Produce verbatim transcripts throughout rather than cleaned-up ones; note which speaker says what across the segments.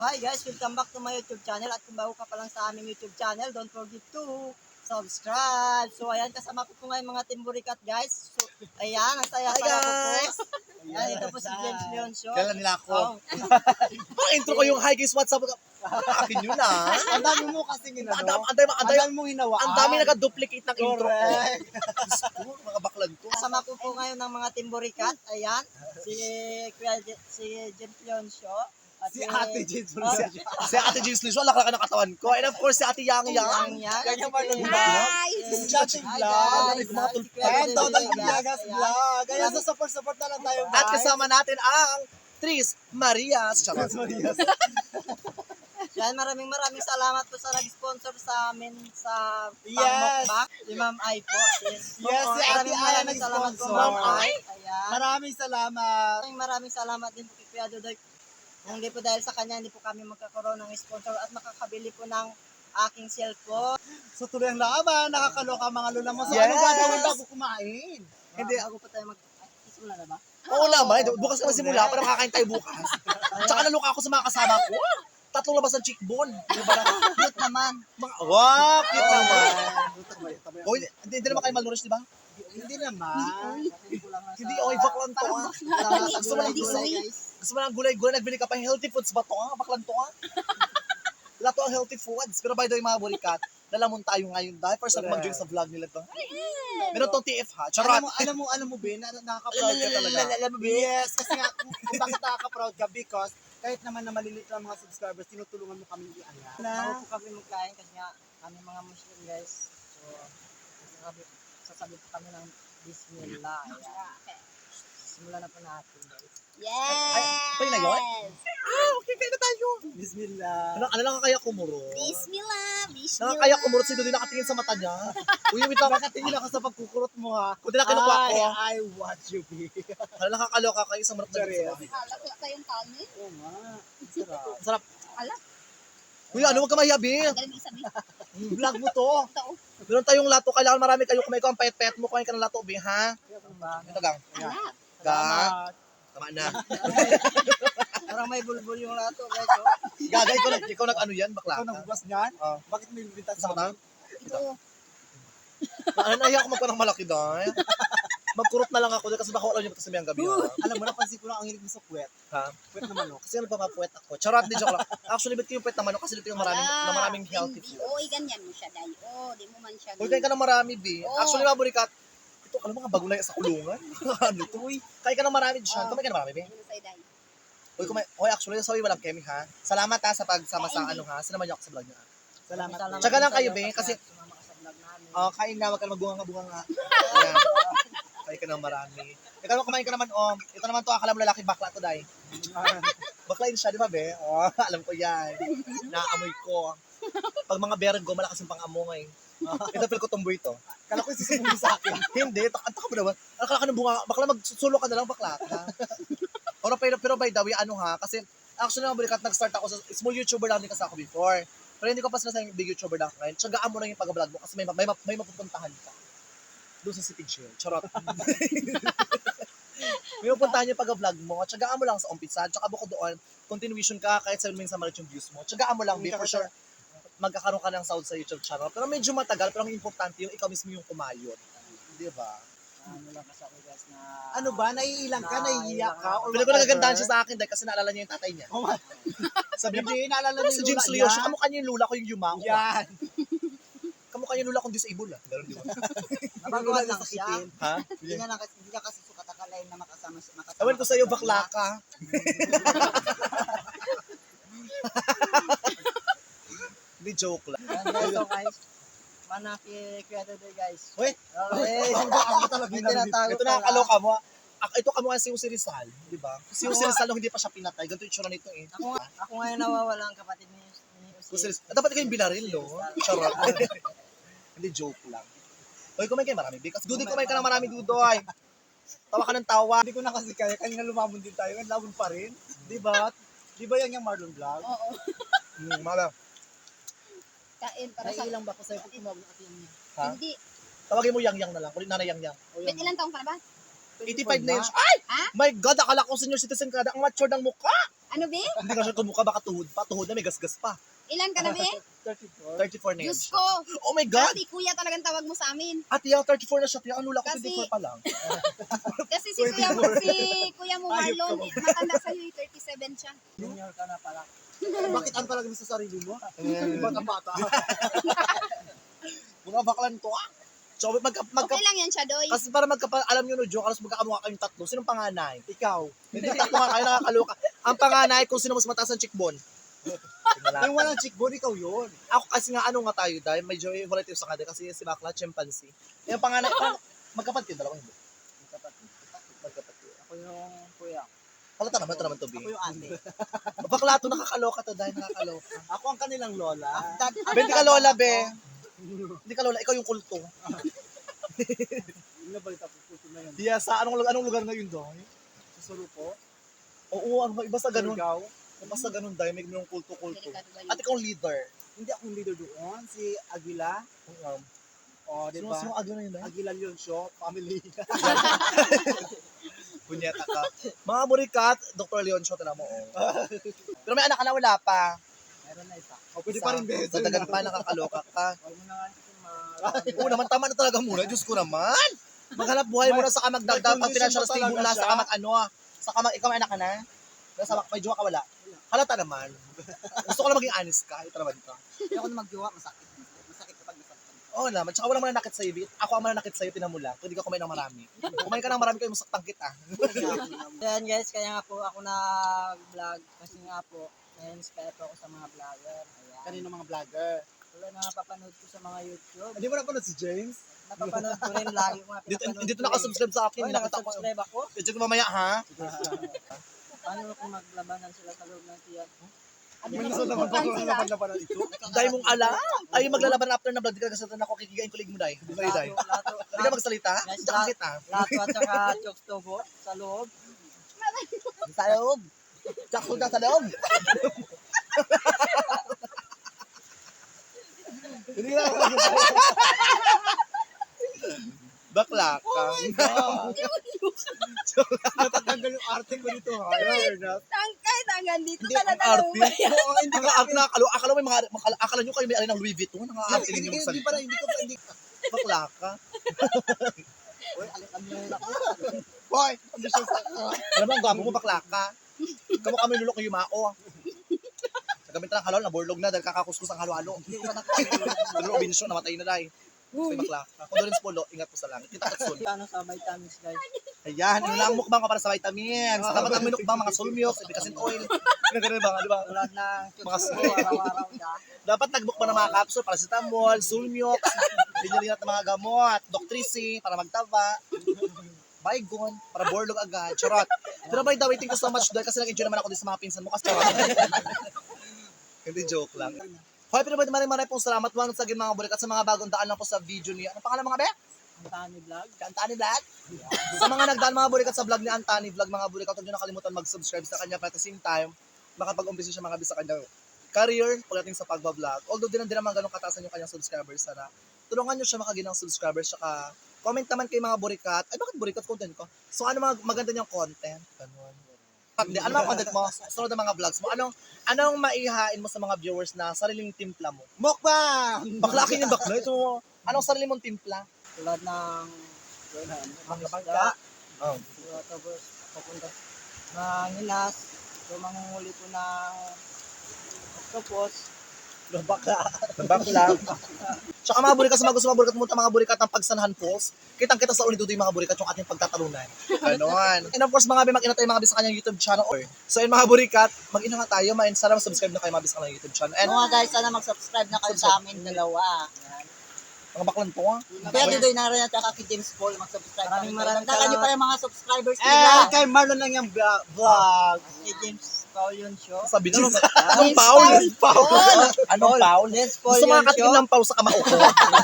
Speaker 1: Hi guys, welcome back to my YouTube channel. At kung bago ka pa lang sa aming YouTube channel, don't forget to subscribe. So ayan, kasama ko po ngayon mga Team Burikat guys. So ayan, ang saya
Speaker 2: Hi
Speaker 1: saya ko po.
Speaker 2: guys!
Speaker 1: Ayan, ito po si James Leon Show.
Speaker 2: Kailan nila ako?
Speaker 1: Oh.
Speaker 2: Parang intro ko yung hi guys, what's up? Akin yun ah.
Speaker 3: Ang dami mo kasi
Speaker 2: Ang
Speaker 3: ginano.
Speaker 2: dami, ang dami, ang
Speaker 3: Ang
Speaker 2: dami,
Speaker 3: dami mo hinawa.
Speaker 2: ang dami naka-duplicate ng intro ko.
Speaker 3: Correct.
Speaker 2: Gusto, mga baklan ko.
Speaker 1: Kasama ko po ngayon ng mga Team Burikat. Ayan, si Kuya Je- si James Leon Show. At
Speaker 3: Si Ate Jade
Speaker 1: Oh,
Speaker 3: Fulvio.
Speaker 2: Si Ate James Lisho, laki-laki ng katawan ko. And of course, si Ate Yang
Speaker 1: Yang
Speaker 2: Yang.
Speaker 1: Yang.
Speaker 3: Kanya Marlon
Speaker 1: Hi!
Speaker 3: Vlog. Si Chatting
Speaker 1: Hi,
Speaker 3: Vlog.
Speaker 1: guys.
Speaker 2: Mga
Speaker 1: Hi,
Speaker 2: tulpa.
Speaker 1: Kuya
Speaker 3: Ayan,
Speaker 1: Jade
Speaker 3: Total
Speaker 1: Vlog,
Speaker 3: Vlogas
Speaker 1: ayan.
Speaker 3: Vlog. Kaya sa support-support na lang tayo, guys.
Speaker 2: At kasama natin ang Tris Marias. Charot.
Speaker 3: Marias.
Speaker 1: Yan, maraming maraming salamat po sa nag-sponsor sa amin sa
Speaker 3: Yes.
Speaker 1: pangmukbang. Si Ma'am Ai po. Yes,
Speaker 3: Yes, si Ate
Speaker 1: maraming
Speaker 3: Ai
Speaker 1: maraming salamat po,
Speaker 3: nag-sponsor.
Speaker 1: Ma'am Ai. Ayan.
Speaker 3: Maraming salamat.
Speaker 1: Maraming maraming salamat din po kay Kuya Dudoy. Kung hindi po dahil sa kanya, hindi po kami magkakaroon ng sponsor at makakabili po ng aking cellphone.
Speaker 3: So tuloy ang laban. Nakakaloka ang mga lula mo. So
Speaker 2: Yes.
Speaker 3: ano gagawin bago kumain?
Speaker 1: Hindi, ako pa tayo mag... Ay, isimula na ba?
Speaker 2: Oo naman, bukas naman simula, pero kakain tayo bukas. Tsaka naluka ako sa mga kasama ko. Tatlong labas ng cheekbone. Di ba na?
Speaker 1: Cute naman.
Speaker 2: Mga, wow, cute
Speaker 3: Oh,
Speaker 2: naman.
Speaker 3: Tabay, tabay.
Speaker 2: Oh, hindi, hindi naman kayo malnourished, di ba?
Speaker 3: Hindi naman.
Speaker 2: Hindi, okay, baklan to ah. Gusto mo lang
Speaker 1: gulay,
Speaker 2: gulay?
Speaker 1: guys.
Speaker 2: Gusto mo lang gulay-gulay, nagbili ka pa healthy foods ba to ah? Baklan to ah. Lahat to ang healthy foods. Pero by the way, mga burikat, lalamon tayo ngayon dahil first time mag-join sa vlog nila to. Meron tong T F ha, charot.
Speaker 3: Alam mo, alam mo, alam mo, Ben, na nakaka-proud ka talaga.
Speaker 2: Alam mo, Ben?
Speaker 3: Yes, kasi nga, kung kung bakit nakaka-proud ka, because kahit naman na maliliit lang mga subscribers, tinutulungan mo kami i-angat.
Speaker 1: Bago po kami magkain kasi nga kami mga Muslim guys. So, sasabi, sasabi po kami ng Bismillah. Ayan. Simulan na po natin guys.
Speaker 2: Ay, tayo na yun? Ah, okay, kaya na tayo.
Speaker 3: Bismillah.
Speaker 2: Ano, ano lang kaya kumuro?
Speaker 4: Bismillah, bismillah.
Speaker 2: Nakakaya kumurot si Dodi nakatingin sa mata niya. Uy, wait lang.
Speaker 3: Nakatingin ako sa pagkukurot mo, ha?
Speaker 2: Kung di na kinukuha ko.
Speaker 3: I, I watch you, be.
Speaker 2: Ano nakakaloka kayo sa marap na
Speaker 3: Sorry.
Speaker 2: dito sa bahay.
Speaker 4: Halak kayong kanin.
Speaker 3: Oo nga. Sarap.
Speaker 2: Sarap.
Speaker 4: Ala,
Speaker 2: Uy, ano, huwag ka mahiya, Bi.
Speaker 4: galing isabi.
Speaker 2: Vlog mo to.
Speaker 4: Ito, oh.
Speaker 2: Meron tayong lato. Kailangan marami kayo kumain ko. Ang payat-payat mo. Kumain ka ng lato, Bi, ha? Ito, gang.
Speaker 4: Ala.
Speaker 2: Gang. Tama na.
Speaker 1: Parang may bulbul yung lato guys. Oh.
Speaker 2: Gagay ko, ikaw nag-ano yan, bakla.
Speaker 3: Ikaw nagbugas niyan?
Speaker 2: Oh.
Speaker 3: Bakit may bibintang
Speaker 2: Sa mata?
Speaker 4: Ito.
Speaker 2: Ano, nahiya ako magpa ng malaki, dahil. Magkurot na lang ako dahil kasi baka alam niyo sabi ang gabi. Ha?
Speaker 3: Alam mo, napansin ko lang ang hilig mo sa puwet.
Speaker 2: Ha?
Speaker 3: Puwet na manok.
Speaker 2: Kasi ano pa mapuwet ako. Charot, di joke lang. Actually, ba't yung puwet naman ako? Kasi dito yung maraming, na maraming healthy
Speaker 4: Hindi.
Speaker 2: food.
Speaker 4: Oo, ganyan mo siya, Day. Oo, di mo man siya.
Speaker 2: Uy, kain ka ng marami, Bi.
Speaker 4: Oo.
Speaker 2: Actually, mga burikat, ito, alam mo nga, bago na yan sa kulungan. ano ito, uy. Kain ka ng marami dyan. Kumain ka ng marami, Bi.
Speaker 4: Ano sa'yo, Day?
Speaker 2: Uy, kumain. Uy, actually, sorry, walang kemi, ha. Salamat, ha, sa pagsama sa
Speaker 4: Kain,
Speaker 2: ano, ha. Sinama niyo ako sa vlog niyo, ha.
Speaker 3: Salamat.
Speaker 1: Salamat
Speaker 2: Tsaka lang
Speaker 1: din
Speaker 2: kayo,
Speaker 1: sa'yo
Speaker 2: Be, kasi-
Speaker 1: sumama ka sa vlog namin.
Speaker 2: Oh, kain na, wag ka na magbunga-bunga nga. Ayan. Kain ka ng marami. Ikaw naman, kumain ka naman, oh. Ito naman to, akala mo lalaki, bakla to, Day. Bakla yun siya, di ba, Be? Oh, alam ko yan. Naamoy ko. Pag mga bergo, malakas yung pang-amoy. Ito, feel ko tumboy to.
Speaker 3: Kala ko isusumbong sa akin.
Speaker 2: Hindi, takanta ka ba naman? Akala ka ng bunga, bakla magsusulo ka na lang, bakla ka. Pero, pero, pero by the way, ano ha, kasi actually mga balikat, nag-start ako sa small YouTuber lang din kasi ako before. Pero hindi ko pa sinasayang big YouTuber lang ako ngayon. Tsagaan mo lang yung pag-vlog mo kasi may, may, may mapupuntahan ka. Doon sa City Jail. Charot. May mapupuntahan yung pag-vlog mo. Tsagaan mo lang sa umpisa. Tsaka bukod doon, continuation ka kahit sa minsan malit yung views mo. Tsagaan mo lang, be, for sure magkakaroon ka ng sound sa YouTube channel. Pero medyo matagal, pero ang importante yung ikaw mismo yung kumayot. Di ba?
Speaker 1: Ano lang kasi ako guys na...
Speaker 3: Ano ba? Naiilang ka? Naiiyak ka? Or
Speaker 2: Pili ko
Speaker 3: whatever?
Speaker 2: nagagandahan siya sa akin dahil kasi naalala niya yung tatay niya.
Speaker 3: Oh, my-
Speaker 2: Sabi niya,
Speaker 3: Hindi, naalala
Speaker 2: ano
Speaker 3: niyo
Speaker 2: si
Speaker 3: yung
Speaker 2: James
Speaker 3: lula
Speaker 2: Leo?
Speaker 3: niya?
Speaker 2: Siya kamukha niya yung lula ko yung yumao.
Speaker 3: Yan.
Speaker 2: Kamukha niya yung lula kong disable ah. Ganun, di ba?
Speaker 1: Nabaguhan lang siya.
Speaker 2: Ha?
Speaker 1: Hindi na, kasi, hindi na kasi sukat akalain na makasama siya. Makasama
Speaker 2: Ewan ko sa'yo, bakla ka. Hindi joke lang.
Speaker 1: Ayan guys, so guys. Manaki Kuya Dudoy guys.
Speaker 2: Uy,
Speaker 1: Okay.
Speaker 3: Ako talaga
Speaker 1: May
Speaker 3: yung
Speaker 1: tinatago
Speaker 2: ito
Speaker 1: pala.
Speaker 2: nakakaloka mo. ah. Ak- ito kamukha si Jose Rizal, di ba? Si Jose Rizal nung hindi pa siya pinatay, ganito yung tsura nito eh.
Speaker 1: Ako, nga- ako ngayon nawawala ang kapatid ni, ni
Speaker 2: Jose
Speaker 1: Jose.
Speaker 2: Rizal. Dapat kayong binaril, no? Charot. Hindi joke lang. Uy, kumain kayo marami. Because Dudoy, kumain ka ng marami, Dudoy. Tawa ka ng tawa.
Speaker 3: Hindi ko na kasi kaya. Kanina lumamon din tayo. Lumamon pa rin. Di ba? Di ba yan yung Marlon Vlog?
Speaker 4: Oo.
Speaker 2: Hmm, mala.
Speaker 4: Kain para sa...
Speaker 1: Naiilang ba ko sa'yo pag tumawag na ate niya?
Speaker 2: Ha?
Speaker 4: Hindi.
Speaker 2: Tawagin mo yang-yang na lang. Kulit nanay yang-yang.
Speaker 4: Bet, ilang taong ka na ba?
Speaker 2: eighty-five na yun. Ay!
Speaker 4: Ha?
Speaker 2: My God, akala ko senior citizen ka na. Ang mature ng mukha.
Speaker 4: Ano, be?
Speaker 2: Hindi ka siya kumukha, baka tuhod pa. Tuhod na may gasgas pa.
Speaker 4: Ilan ka na, be?
Speaker 3: thirty-four.
Speaker 2: thirty-four na yan
Speaker 4: Diyos
Speaker 2: siya.
Speaker 4: ko.
Speaker 2: Oh my God!
Speaker 4: Kasi kuya talagang tawag mo sa amin.
Speaker 2: At yung thirty-four na siya. Ang lula ko,
Speaker 4: Kasi-
Speaker 2: twenty-four pa lang.
Speaker 4: Kasi si kuya mo, si kuya mo Marlon, eh, matanda sa'yo, eh, thirty-seven siya.
Speaker 1: Junior ka na pala.
Speaker 3: Bakit ang palagi mo sa sarili mo? Bata-bata.
Speaker 2: Mga baklan to ah. So, magka, magka,
Speaker 4: Okay lang yan siya, Doy.
Speaker 2: kasi para magkapa, alam nyo no, joke, alas magkakamukha kayong tatlo. Sinong panganay?
Speaker 3: Ikaw.
Speaker 2: Hindi tatlo nga kayo nakakaloka. Ang panganay kung sino mas mataas ang cheekbone.
Speaker 3: Yung walang cheekbone, ikaw yun.
Speaker 2: Ako kasi nga ano nga tayo dahil medyo relative sa kanila kasi si Bakla chimpanzee. Yung panganay, parang magkapatid, dalawa hindi.
Speaker 1: Magkapatid.
Speaker 2: Magkapatid.
Speaker 1: Ako yung kuya.
Speaker 2: Halata naman, ito naman to, B.
Speaker 3: Ako yung ate.
Speaker 2: Bakla to, nakakaloka to dahil nakakaloka.
Speaker 3: Ako ang kanilang lola.
Speaker 2: Be, hindi ka lola, be. Hindi ka lola, ikaw yung kulto.
Speaker 3: Yung nabalita po po na yun.
Speaker 2: Diya, sa anong, anong lugar na yun doon?
Speaker 3: Sa Surupo.
Speaker 2: Oo, ano ba, iba sa ganun.
Speaker 3: Surigao.
Speaker 2: Iba sa ganun dahil may ganung kulto-kulto.
Speaker 4: Delikado ba yun?
Speaker 2: At ikaw ang leader.
Speaker 3: Hindi ako yung leader doon. Si Aguila.
Speaker 2: Um,
Speaker 3: O, di
Speaker 2: Sino,
Speaker 3: ba?
Speaker 2: sino agyo na yun dahil?
Speaker 3: Aguila yun show. Family.
Speaker 2: Punyeta ka. Mga burikat, Doctor Leon Show, tala mo. Oh. Pero may anak ka na, wala pa.
Speaker 1: Meron na isa.
Speaker 3: O, pwede pa rin
Speaker 2: Sa-
Speaker 3: beso.
Speaker 2: Sa dagan pa, nakakaloka ka.
Speaker 1: Huwag mo na nga ito ma...
Speaker 2: Oo naman, tama na talaga muna. Diyos ko naman. Maghanap buhay mo na sa kamagdagdag pag
Speaker 3: May
Speaker 2: financial
Speaker 3: condition
Speaker 2: stable
Speaker 3: ba
Speaker 2: na
Speaker 3: talaga
Speaker 2: sa
Speaker 3: siya?
Speaker 2: kamag ano. Sa kamag, ikaw may anak ka na? Nasa may jowa ka wala? Halata naman. Gusto ko lang maging honest ka. Ito naman ka.
Speaker 1: Hindi ako na magjowa, masakit. Masakit kapag nasaktan.
Speaker 2: Oo naman. Tsaka walang mananakit sa'yo. Bit. Ako ang mananakit sa'yo, tinamula. Kung hindi ka kumain ng marami. Kumain ka ng marami kayo, masaktan kita.
Speaker 1: Ayan guys, kaya nga po ako nag-vlog kasi nga po, na-inspire po ako sa mga vlogger. Ayan.
Speaker 3: Kanino mga vlogger.
Speaker 1: Wala na napapanood ko sa mga YouTube.
Speaker 3: Hindi mo napanood si James?
Speaker 1: Napapanood ko rin lagi ko nga
Speaker 2: Dito,
Speaker 1: pinapanood
Speaker 2: dito
Speaker 1: ko rin.
Speaker 2: nakasubscribe sa akin.
Speaker 1: Oy,
Speaker 2: Nakita ko.
Speaker 1: nakasubscribe ako.
Speaker 2: Check mo mamaya ha.
Speaker 1: Paano kung maglabanan sila sa loob ng tiyan?
Speaker 4: Ano
Speaker 3: May
Speaker 4: na
Speaker 3: nasa naman
Speaker 4: susubukan
Speaker 3: ako
Speaker 4: sila?
Speaker 3: na napanood ito.
Speaker 2: Dahil mong alam. Ay, maglalaban after na vlog. Di ka kasi ako kikigain kulig mo, Day. Di ba, Day?
Speaker 1: Lato, lato,
Speaker 2: Hindi ka magsalita?
Speaker 1: Guys,
Speaker 2: Hindi ka kita.
Speaker 1: lato at saka chokes tobo sa loob.
Speaker 2: Sa loob. Tsaka na sa loob.
Speaker 3: Hindi na ako
Speaker 2: Bakla ka.
Speaker 3: natatanggal yung arte ko dito ha. Fairness.
Speaker 4: Tangkay, tanggan dito
Speaker 2: Hindi
Speaker 4: ka na
Speaker 2: ang arte.
Speaker 4: talaga.
Speaker 2: Oo, hindi ka arte na akala. Akala mo may mga akala, akala nyo kayo may alin ng Louis Vuitton. Ang arte
Speaker 3: Hindi
Speaker 2: ninyo
Speaker 3: hindi
Speaker 2: magsalita.
Speaker 3: pa hindi ko pa hindi.
Speaker 2: Bakla ka.
Speaker 1: Uy, alikan mo na ako.
Speaker 3: Boy, ambitious sa
Speaker 2: Alam mo, ang gwapo mo, bakla ka. Kamu kami lulok yung mao. Sa gamit ng halal, naborlog na dahil kakakuskus ang halo-halo.
Speaker 1: Hindi ko nakakalimutan.
Speaker 2: Pero Robinson, namatay na dahil. Kasi bakla ka. Condolence Polo, ingat po sa langit. Kita katsun.
Speaker 1: Ano sa vitamins guys?
Speaker 2: Ayan, yun lang ang mukbang ka para sa vitamins. Sa tapat ang minukbang, mga sulmyok, ibikasin oil. Ganun ba, di ba?
Speaker 1: Tulad ng
Speaker 2: Mga
Speaker 1: chokes tobo, araw-araw ka.
Speaker 2: Dapat nagbukbang ng mga capsule, paracetamol, sulmyok, binyalinat ng mga gamot, Doctrisi, para magtaba. Baygon, para borlog agad. Charot. Pero by the way, thank you so much dahil kasi nag-enjoy naman ako din sa mga pinsan mo. Kasi charot. Hindi joke lang. Hoy, pero maraming maraming pong salamat once again mga bulik at sa mga bagong daan lang po sa video niya. Ano pangalan mga be?
Speaker 1: Ang tani vlog.
Speaker 2: Si Antani Vlog. Sa mga nagdaan mga bulikat sa vlog ni Antani Vlog, mga bulikat, huwag nyo nakalimutan mag-subscribe sa kanya. But at the same time, makapag-umpisa siya mga bisa kanyang career pagdating sa pagbablog. Although din din naman ganun katasan yung kanyang subscribers, sana tulungan nyo siya makaginang subscribers. Saka comment naman kay mga burikat. Ay, bakit burikat content ko? So ano mga maganda niyang content? Ganun. Hindi, ano mga content mo? Sunod na mga vlogs mo. Anong anong maihain mo sa mga viewers na sariling timpla mo?
Speaker 3: Mukbang!
Speaker 2: Bakla akin yung bakla. Ito, anong sarili mong timpla?
Speaker 1: Tulad ng mga
Speaker 3: bangka.
Speaker 1: isda.
Speaker 2: Oh.
Speaker 1: So, tapos papunta ng hilas. So, mangunghuli ko ng octopus.
Speaker 2: Bakla. Bakla. Tsaka mga burikat sa mga gusto mga burikat pumunta mga burikat ng Pagsanahan Falls. Kitang-kita sa ulidudo yung mga burikat yung ating pagtatalunan. Ganon. And of course mga be, mag-ina tayo mga bis sa kanyang YouTube channel. Or, so yun mga burikat, mag-ina nga tayo. Ma- sana mag-subscribe na kayo mga bis sa kanyang YouTube channel. And
Speaker 1: Mga guys, sana mag-subscribe na kayo sa amin dalawa. Yan.
Speaker 2: mga baklan po ah.
Speaker 1: Kaya dito na rin at saka kay James Paul mag-subscribe. Maraming maraming
Speaker 4: Dagdagan niyo pa
Speaker 1: yung mga subscribers
Speaker 3: Eh, kay Marlon lang yung vlog. vlog.
Speaker 1: Kay James Paul yun show.
Speaker 2: Sabi dyan.
Speaker 4: Paul.
Speaker 2: Anong Paul? Paul. Anong Paul?
Speaker 1: James Paul
Speaker 2: Gusto
Speaker 1: yun
Speaker 2: mga katikin
Speaker 1: show.
Speaker 2: ng Paul sa kamao ko.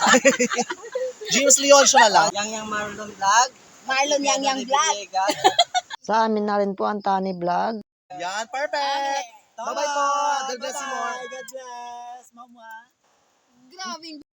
Speaker 2: James Leon siya na lang.
Speaker 1: Yang yang Marlon Vlog.
Speaker 4: Marlon Yang Yang Vlog.
Speaker 1: Sa amin na rin po ang Tani Vlog.
Speaker 2: Yan, perfect. Bye-bye po. God bless you more.
Speaker 3: God bless. Mama.
Speaker 4: Grabing